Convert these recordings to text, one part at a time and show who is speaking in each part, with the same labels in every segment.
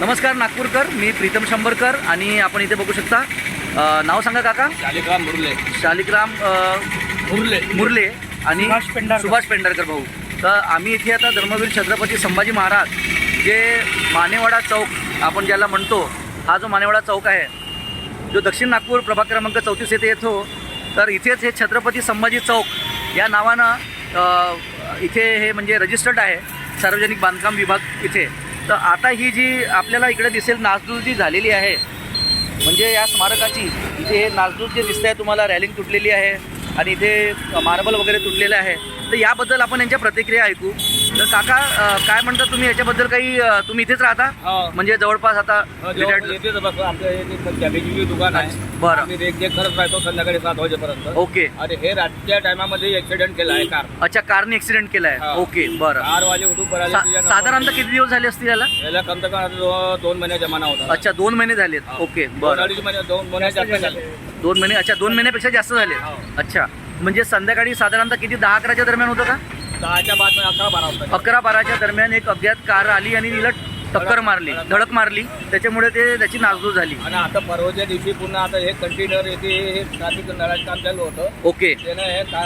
Speaker 1: नमस्कार नागपूरकर, मी प्रीतम शंभरकर आणि आपण इथे बघू शकता. नाव सांगा काका.
Speaker 2: शालिग्राम मुरले.
Speaker 1: शालिग्राम मुरले आणि सुभाष पेंढारकर भाऊ. तर आम्ही इथे आता धर्मवीर छत्रपती संभाजी महाराज जे मानेवाडा चौक आपण ज्याला म्हणतो, हा जो मानेवाडा चौक आहे जो दक्षिण नागपूर प्रभाग क्रमांक 34 येथे येतो, तर इथेच हे छत्रपती संभाजी चौक या नावानं इथे हे म्हणजे रजिस्टर्ड आहे सार्वजनिक बांधकाम विभाग इथे. तर आता ही जी आपल्याला इकडे दिसेल नासधूस जी झालेली आहे, म्हणजे या स्मारकाची इथे हे नासधूस जे दिसत आहे तुम्हाला, रॅलिंग तुटलेली आहे आणि इथे मार्बल वगैरे तुटलेलं आहे. तर याबद्दल आपण यांच्या प्रतिक्रिया ऐकू. तर काका काय म्हणता तुम्ही याच्याबद्दल? काही तुम्ही इथेच राहता म्हणजे जवळपास आता
Speaker 2: इथेच बसतो. आमच्या कॅबेजीची दुकान आहे.
Speaker 1: बरं.
Speaker 2: आम्ही रेख करत राहतो संध्याकाळी 7 वाजेपर्यंत.
Speaker 1: ओके.
Speaker 2: आणि हे रातच्या टायमामध्ये ऍक्सिडेंट केला आहे कार.
Speaker 1: अच्छा, कारने ऍक्सिडेंट केला आहे. ओके, बरं.
Speaker 2: कारवाले उठून पडाले.
Speaker 1: साधारणतः किती दिवस झाले असतील याला?
Speaker 2: याला कम से कम 2 महिने जमाना होता.
Speaker 1: अच्छा, 2 महिने झालेत. ओके, बरं.
Speaker 2: 2 महिने जास्त झाले.
Speaker 1: 2 महिने. अच्छा, 2 महिन्यापेक्षा जास्त झाले. अच्छा, म्हणजे संध्याकाळी साधारणतः किती 10-11च्या दरम्यान होतं का?
Speaker 2: 10च्या बाद 11-12 होता.
Speaker 1: 11-12च्या दरम्यान एक अज्ञात कार आली आणि तिला टक्कर मारली, धडक मारली, त्याच्यामुळे त्याची नासधूस झाली.
Speaker 2: आणि आता परवाच्या दिवशी पुन्हा आता हे कंटेनर येथे हे ट्रॅफिक नळाचं काम चालू होतं.
Speaker 1: ओके.
Speaker 2: त्यानं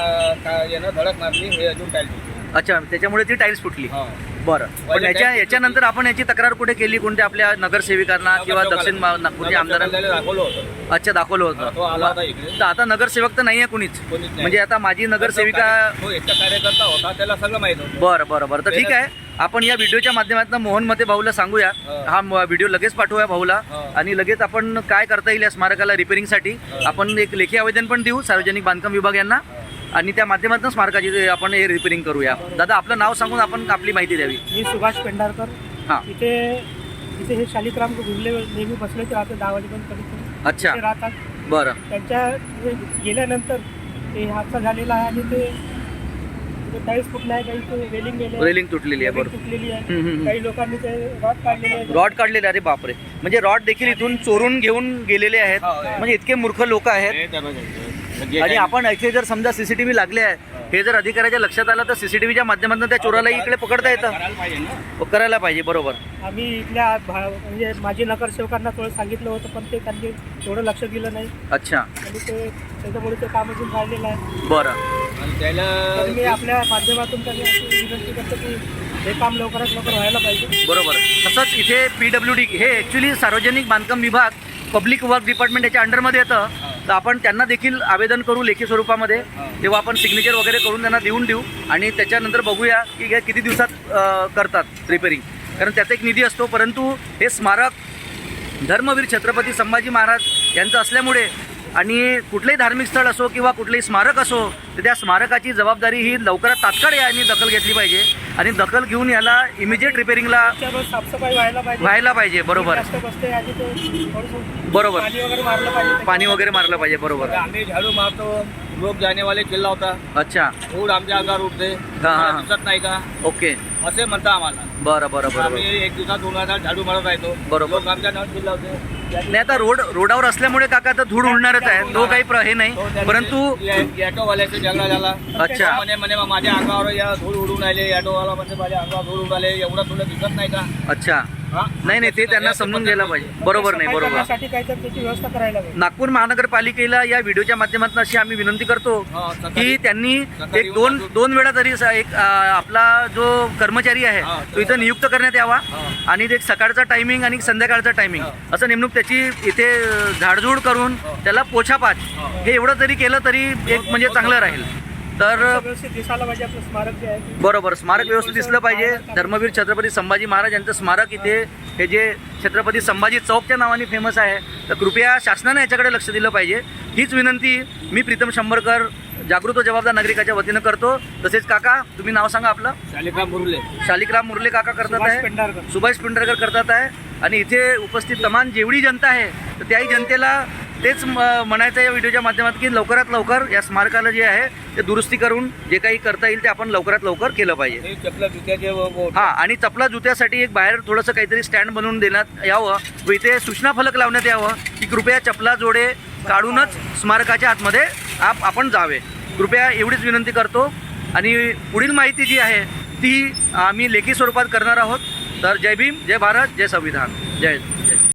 Speaker 2: हे यानं धडक मारली. हे अजून टाइल.
Speaker 1: अच्छा, त्याच्यामुळे ती टाईल्स फुटली. बरं. पण याच्यानंतर आपण याची तक्रार कुठे केली? कोणत्या आपल्या नगरसेविकांना किंवा दक्षिण नागपूरच्या आमदारांना?
Speaker 2: दाखवलं होतं.
Speaker 1: अच्छा, दाखवलं होतं. तर आता नगरसेवक तर नाही आहे कुणीच, म्हणजे आता माझी नगरसेविका
Speaker 2: तो एकटा कार्यकर्ता होता, त्याला सगळं माहित होतं.
Speaker 1: बरं. तर ठीक आहे, आपण या व्हिडिओच्या माध्यमातून मोहन मते भाऊला सांगूया. हा व्हिडिओ लगेच पाठवूया भाऊला आणि लगेच आपण काय करता येईल या स्मारकाला रिपेअरिंगसाठी आपण एक लेखी आवेदन पण देऊ सार्वजनिक बांधकाम विभाग यांना आणि त्या माध्यमातून स्मारकाची आपण हे रिपेअरिंग करूया. दादा, आपलं नाव सांगून आपण आपली माहिती द्यावी.
Speaker 3: मी सुभाष पेंढारकर.
Speaker 1: हां.
Speaker 3: इथे हे शालिग्राम गुरले नेहमी बसले ते राहते 10 वाजेपर्यंत कधी
Speaker 1: अच्छा.
Speaker 3: राहतात.
Speaker 1: बरं.
Speaker 3: त्यांच्या गेल्यानंतर ते हादसा झालेला आहे आणि ते टाईल्स फुटला आहे, काही
Speaker 1: रेलिंग तुटलेली आहे. बरोबर.
Speaker 3: तुटलेली आहे. काही लोकांनी ते
Speaker 1: रॉड काढलेले. अरे बापरे, म्हणजे रॉड देखील इथून चोरून घेऊन गेलेले आहेत. म्हणजे इतके मूर्ख लोक आहेत. आणि आपण इथे जर समजा सीसीटीव्ही लागले आहे, हे जर अधिकाऱ्याच्या लक्षात आलं तर सीसीटीव्हीच्या माध्यमातून त्या चोराला इकडे पकडता येतं. करायला पाहिजे. बरोबर.
Speaker 3: आम्ही इथल्या म्हणजे माझी नगरसेवकांना थोडं सांगितलं होतं, पण ते त्यांनी थोडं लक्ष दिलं नाही.
Speaker 1: अच्छा.
Speaker 3: आणि ते त्याच्यामुळे ते काम अजून राहिलेलं आहे.
Speaker 1: बरं.
Speaker 3: तर मी आपल्या माध्यमातून त्यांनी अशी विनंती करतो की हे काम लवकरात लवकर व्हायला पाहिजे.
Speaker 1: बरोबर. तसंच इथे PWD हे ॲक्च्युली सार्वजनिक बांधकाम विभाग पब्लिक वर्क डिपार्टमेंट याच्या अंडरमध्ये येतं. तर आपण त्यांना देखील आवेदन करू लेखी स्वरूपामध्ये, तेव्हा आपण सिग्नेचर वगैरे करून त्यांना देऊन देऊ आणि त्याच्यानंतर बघूया की हे किती दिवसात करतात रिपेअरिंग, कारण त्याचा एक निधी असतो. परंतु हे स्मारक धर्मवीर छत्रपती संभाजी महाराज यांचं असल्यामुळे आणि कुठलंही धार्मिक स्थळ असो किंवा कुठलंही स्मारक असो, तर त्या स्मारकाची जबाबदारी ही लवकरात तात्काळ यांनी दखल घेतली पाहिजे आणि दखल घेऊन याला इमिजिएट रिपेअरिंगला
Speaker 3: साफसफाई
Speaker 1: व्हायला पाहिजे. बरोबर. बरोबर. पाणी वगैरे मारलं पाहिजे. बरोबर.
Speaker 2: आम्ही झाडू मारतो, लोक जाने वाले चिल्ला होता.
Speaker 1: अच्छा.
Speaker 2: धूळ आमच्या अंगावर उठते.
Speaker 1: हां.
Speaker 2: दिसत नाही का?
Speaker 1: ओके.
Speaker 2: असे म्हणता आम्हाला.
Speaker 1: बरं.
Speaker 2: आम्ही एक दिवसात 2 वेळा झाडू मारत राहतो.
Speaker 1: बरोबर.
Speaker 2: लोक आमच्या नावावर चिल्ला होते.
Speaker 1: नाही, आता रोडावर असल्यामुळे काका तर धूळ उडणारच आहे, तो काही हे नाही. परंतु
Speaker 2: ऑटोवाल्याचा झगडा झाला.
Speaker 1: अच्छा.
Speaker 2: म्हणे माझ्या अंगावर या धूळ उडून राहिले. ऑटोवाला म्हणजे माझ्या अंगावर धूळ उडून राहिले, एवढं तुला दिसत नाही का?
Speaker 1: अच्छा. नाही, ते त्यांना समजून घ्यायला पाहिजे. बरोबर. नाही, बरोबर.
Speaker 3: त्याची व्यवस्था करायला पाहिजे.
Speaker 1: नागपूर महानगरपालिकेला या व्हिडिओच्या माध्यमातून अशी आम्ही विनंती करतो की त्यांनी एक दोन वेळा तरी एक आपला जो कर्मचारी आहे तो इथं नियुक्त करण्यात यावा आणि एक सकाळचा टायमिंग आणि संध्याकाळचा टायमिंग असं नेमणूक त्याची इथे झाडझूड करून त्याला पोछापाच हे एवढं तरी केलं तरी एक म्हणजे चांगलं राहील. तर
Speaker 3: व्यवस्थित दिसायला पाहिजे आपलं स्मारक जे आहे.
Speaker 1: बरोबर. स्मारक व्यवस्थित दिसलं पाहिजे. धर्मवीर छत्रपती संभाजी महाराज यांचं स्मारक इथे हे जे छत्रपती संभाजी चौकच्या नावाने फेमस आहे, तर कृपया शासनाने याच्याकडे लक्ष दिलं पाहिजे. हीच विनंती मी प्रीतम शंभरकर जागृत व जबाबदार नागरिकाच्या वतीनं करतो. तसेच काका, तुम्ही नाव सांगा आपलं. शालिग्राम मुरले काका करतात आहे. सुभाष पेंढारकर करतात आहे. आणि इथे उपस्थित तमाम जेवढी जनता आहे तर त्याही जनतेला तेच म्हणायचं या व्हिडिओच्या माध्यमातून की लवकरात लवकर या स्मारकाला जे आहे ते दुरुस्ती करून जे काही करता येईल ते आपण लवकरात लवकर केलं पाहिजे. हां. आणि चपला जुत्यासाठी एक बाहेर थोडंसं काहीतरी स्टँड बनवून देण्यात यावं व इथे सूचना फलक लावण्यात यावं की कृपया चपला जोडे काढूनच स्मारकाच्या आतमध्ये आपण जावे. कृपया एवढीच विनंती करतो. आणि पुढील माहिती जी आहे ती आम्ही लेखी स्वरूपात करणार आहोत. तर जय भीम, जय भारत, जय संविधान, जय हिंद.